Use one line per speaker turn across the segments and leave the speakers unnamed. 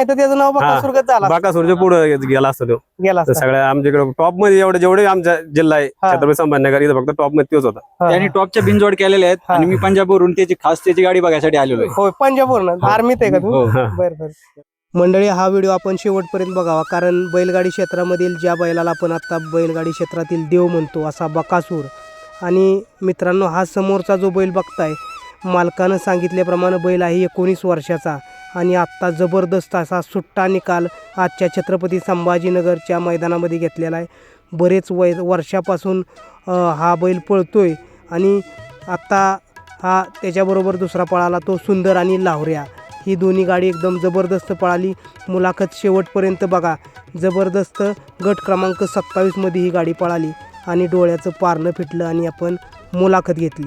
नाही तर त्याचं नाव बकासूरगत झाला
बाकासूरच्या पुढे गेला असतो तो.
गेला
सगळ्या आमच्याकडे टॉप मध्ये जेवढे आमच्या जिल्हा आहे छत्रपती संभाजीनगर इथं फक्त टॉप मध्ये तोच होता.
त्यांनी टॉपच्या बिनजोड केलेले आहेत आणि मी पंजाबवरून त्याची खास त्याची गाडी बघायसाठी आलेलो आहे.
होय पंजाबवरून आर्मीत आहे का तू? बरं. मंडळी, हा व्हिडिओ आपण शेवटपर्यंत बघावा, कारण बैलगाडी क्षेत्रामधील ज्या बैलाला आपण आता बैलगाडी क्षेत्रातील देव म्हणतो असा बकासूर, आणि मित्रांनो हा समोरचा जो बैल बघताय मालकानं सांगितल्याप्रमाणे बैल आहे 19 वर्षाचा आणि आत्ता जबरदस्त असा सुट्टा निकाल आजच्या छत्रपती संभाजीनगरच्या मैदानामध्ये घेतलेला आहे. बरेच वर्षापासून हा बैल पळतोय आणि आत्ता हा त्याच्याबरोबर दुसरा पळाला तो सुंदर आणि लावऱ्या. ही दोन्ही गाडी एकदम जबरदस्त पळाली. मुलाखत शेवटपर्यंत बघा. जबरदस्त गट क्रमांक 27 मध्ये ही गाडी पळाली आणि डोळ्याचं पारणं फिटलं आणि आपण मुलाखत घेतली.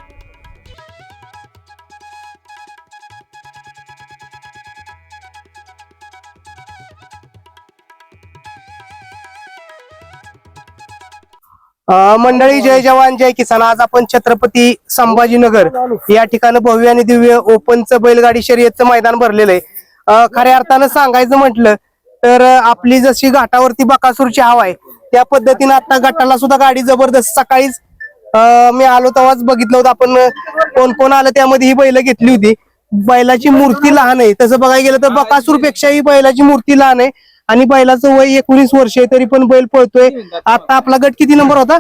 मंडळी, जय जवान जय किसान. आज आपण छत्रपती संभाजीनगर या ठिकाणी भव्य आणि दिव्य ओपनचं बैलगाडी शर्यतचं मैदान भरलेलं आहे. खऱ्या अर्थानं सांगायचं म्हटलं तर आपली जशी घाटावरती बकासूरची हवा आहे त्या पद्धतीनं आता गटाला सुद्धा गाडी जबरदस्त. सकाळीच मी आलो तेव्हाच बघितलं होतं आपण कोण कोण आलं, त्यामध्ये ही बैल घेतली होती. बैलाची मूर्ती लहान आहे, तसं बघायला गेलं तर बकासूर पेक्षाही बैलाची मूर्ती लहान आहे आणि बैलाचं वय 19 वर्ष आहे तरी पण बैल पळतोय. आता आपला गट किती नंबर होता?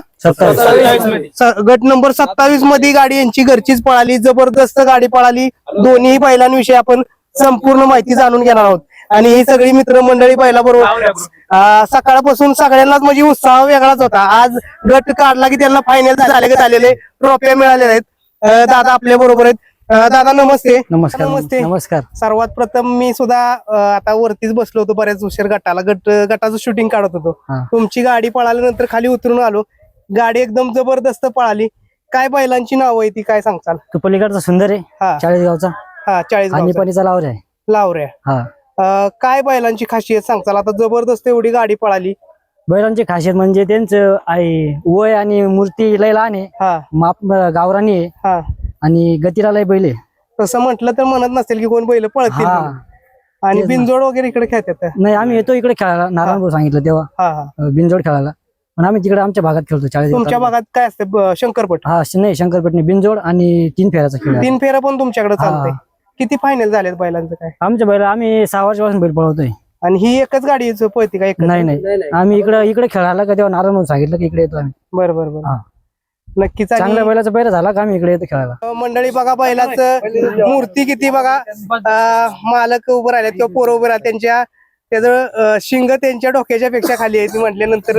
27. गट नंबर 27 मध्ये गाडी यांची घरचीच पळाली. जबरदस्त गाडी पळाली. दोन्ही बैलांविषयी आपण संपूर्ण माहिती जाणून घेणार आहोत आणि ही सगळी मित्रमंडळी बैलाबरोबर सकाळपासून सगळ्यांनाच म्हणजे उत्साह वेगळाच होता. आज गट काढला की त्यांना फायनल झालेले ट्रॉफ्या मिळालेल्या आहेत. दादा आपल्या बरोबर आहेत. दादा नमस्ते.
नमस्कार.
नमस्ते.
नमस्कार.
सर्वात प्रथम मी सुद्धा आता वरतीच बसलो होतो बऱ्याच उशीर गटाला गटाचं शूटिंग काढत होतो. तुमची गाडी पळाल्यानंतर खाली उतरून आलो. गाडी एकदम जबरदस्त पळाली. काय बैलांची नाव आहे ती काय सांगचाल?
तो पलीकडचा सुंदर आहे 40 गावचा.
हा 40
आणि पलीचा लावऱ्या आहे.
लावऱ्या. काय बैलांची खासियत सांगचाल? आता जबरदस्त एवढी गाडी पळाली.
बैलांची खासियत म्हणजे त्यांचं वय आणि मूर्ती लय लहान आहे. माप गावरानी आहे आणि गतीला लय बैल आहे.
तसं म्हटलं तर म्हणत नसेल की कोण बैल पळतील आणि बिनजोड वगैरे इकडे खेळतात.
नाही, आम्ही येतो इकडे खेळायला. नारायण सांगितलं तेव्हा बिनजोड खेळायला, पण आम्ही तिकडे आमच्या भागात खेळतो. 40.
तुमच्या भागात काय असतं? शंकरपट?
नाही, शंकरपट नाही, बिनजोड आणि 3 फेऱ्याचा खेळ.
3 फेऱ्या पण तुमच्याकडे चालतंय. किती फायनल झालेत बैलांचं काय?
आमच्या बैल आम्ही 6 वर्षापासून बैल पळवतोय.
आणि ही एकच गाडी पळते का?
नाही, आम्ही इकडे खेळायला का तेव्हा नारायण सांगितलं की इकडे येतो आम्ही.
बरोबर. नक्कीच.
चांगल्या बैलाचा बैल झाला का आम्ही इकडे येतो खेळायला.
मंडळी बघा बैलाचं मूर्ती किती बघा. मालक उभं राहिले किंवा पोरं उभं राहिले, त्याचं शिंग त्यांच्या डोक्याच्या पेक्षा खाली आहे. म्हटल्यानंतर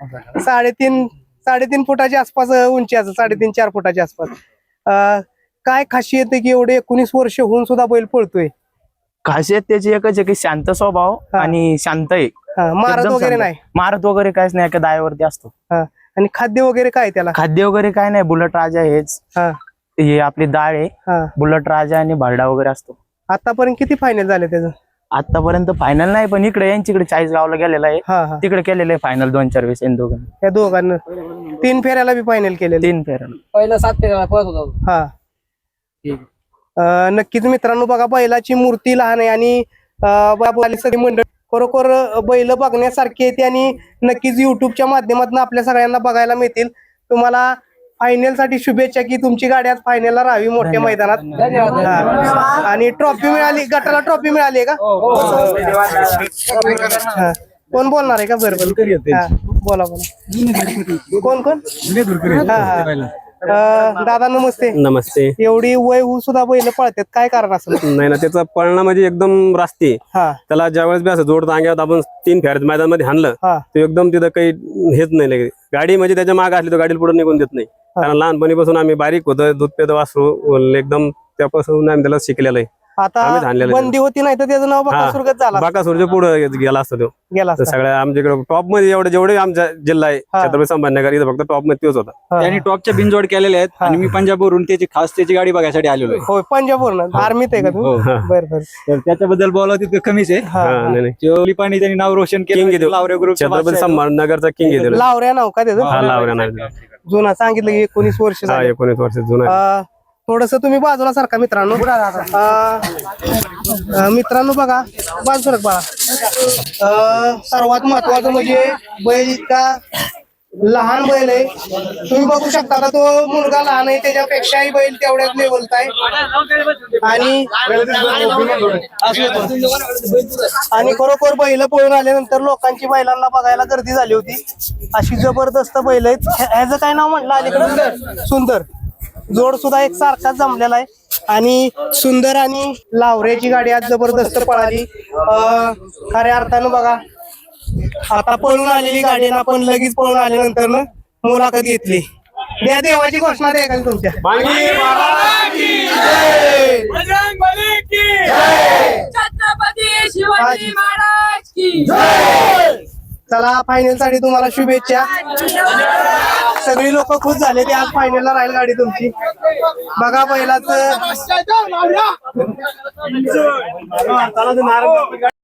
3.5 फुटाच्या आसपास उंची असं 3.5-4 फुटाच्या आसपास. काय खासियत आहे की एवढे 19 वर्ष होऊन सुद्धा बैल पळतोय?
खासियत त्याची एकच आहे की शांत स्वभाव आणि शांत आहे.
मारत वगैरे नाही?
मारत वगैरे काहीच नाही, एका दायावरती असतो.
आणि खाद्य वगैरे काय त्याला?
खाद्य वगैरे काय नाही. बुलट राजा हेच, हे आपली डाळ आहे. बुलट राजा आणि भालडा वगैरे असतो.
आतापर्यंत किती फायनल झाले त्याचं?
आतापर्यंत फायनल नाही, पण इकडे यांच्याकडे 40 गावला गेलेला आहे. तिकडे केलेलं आहे फायनल 2-4 वेळेस दोघांना.
त्या दोघांना 3 फेऱ्याला बी फायनल केलेलं?
3 फेऱ्याला.
पहिला 7 फेऱ्याला पळत होता.
नक्कीच मित्रांनो बघा बैलाची मूर्ती लहान आहे आणि सगळी मंडळ खरोखर बैल बघण्यासारखी येते आणि नक्कीच युट्यूबच्या माध्यमातून आपल्या सगळ्यांना बघायला मिळतील. तुम्हाला फायनल साठी शुभेच्छा की तुमची गाडी आज फायनलला राहावी मोठ्या मैदानात. आणि ट्रॉफी मिळाली, गटाला ट्रॉफी मिळाली का? कोण बोलणार आहे का? बरोबर, बोला. कोण? दादा नमस्ते.
नमस्ते.
एवढी वय होऊन सुद्धा बैल पळतात, काय कारण असेल?
नाही ना, त्याचा पळणं म्हणजे एकदम रास्ते. त्याला ज्यावेळेस बी असं जोड अंग्यात आपण 3 फेऱ्यात मैदान मध्ये हाणलं तो एकदम तिथं काही हेच नाही. गाडी म्हणजे त्याच्या मागे असली तर गाडीला पुढे निघून देत नाही. कारण लहानपणीपासून आम्ही बारीक होतो, दूध पेद वासरू एकदम त्यापासून आम्ही त्याला शिकलेलं आहे.
आता बंदी होती नाही तर त्याचं नाव बकासूरगत झाला.
बकासूरच्या पुढे गेला असतो तो. सगळ्या आमच्याकडे टॉप मध्ये जेवढे आमच्या जिल्हा आहे छत्रपती संभाजीनगर इथं फक्त टॉप मध्ये तोच होता.
त्यांनी टॉपच्या बिनजोड केलेले आहेत आणि मी पंजाबवरून त्याची खास त्याची गाडी बघायसाठी आलेलो आहे.
होय, पंजाबवरून. आर्मीत आहे का तू? बरं.
तर त्याच्याबद्दल बोलावं तितकं कमीच आहे. पाणी त्यांनी नाव रोशन केलं. लावऱ्या ग्रुप
छत्रपती संभाजीनगरचा किंग आहे.
लावऱ्या नाव का त्याचं?
लावऱ्या नाही
जुना सांगितलं की 19 वर्ष.
19 वर्ष जुना.
थोडस तुम्ही बाजूला सारखा मित्रांनो. मित्रांनो बघा बाजू सरक बघा. सर्वात महत्वाचं म्हणजे बैल इतका लहान बैल आहे. तुम्ही बघू शकता का, तो मुलगा लहान आहे त्याच्यापेक्षाही बैल तेवढ्याच लेवलचा आहे. आणि खरोखर बैल पळून आल्यानंतर लोकांची बैलांना बघायला गर्दी झाली होती. अशी जबरदस्त बैल आहेत. ह्याचं काय नाव म्हटलं अलीकडे? सुंदर. जोड सुद्धा एक सारखाच जमलेला आहे. आणि सुंदर आणि लावऱ्याची गाडी आज जबरदस्त पळाली. खऱ्या अर्थानं बघा, आता पळून आलेली गाडी आपण लगेच पळून आल्यानंतर मुलाखत घेतली. द्या देवाची घोषणा द्या का तुमच्या.
छत्रपती शिवाजी महाराज की.
चला, फायनल साठी तुम्हाला शुभेच्छा. सगळी लोक खुश झाले ते आज फायनलला राहील गाडी तुमची. बघा बैलाच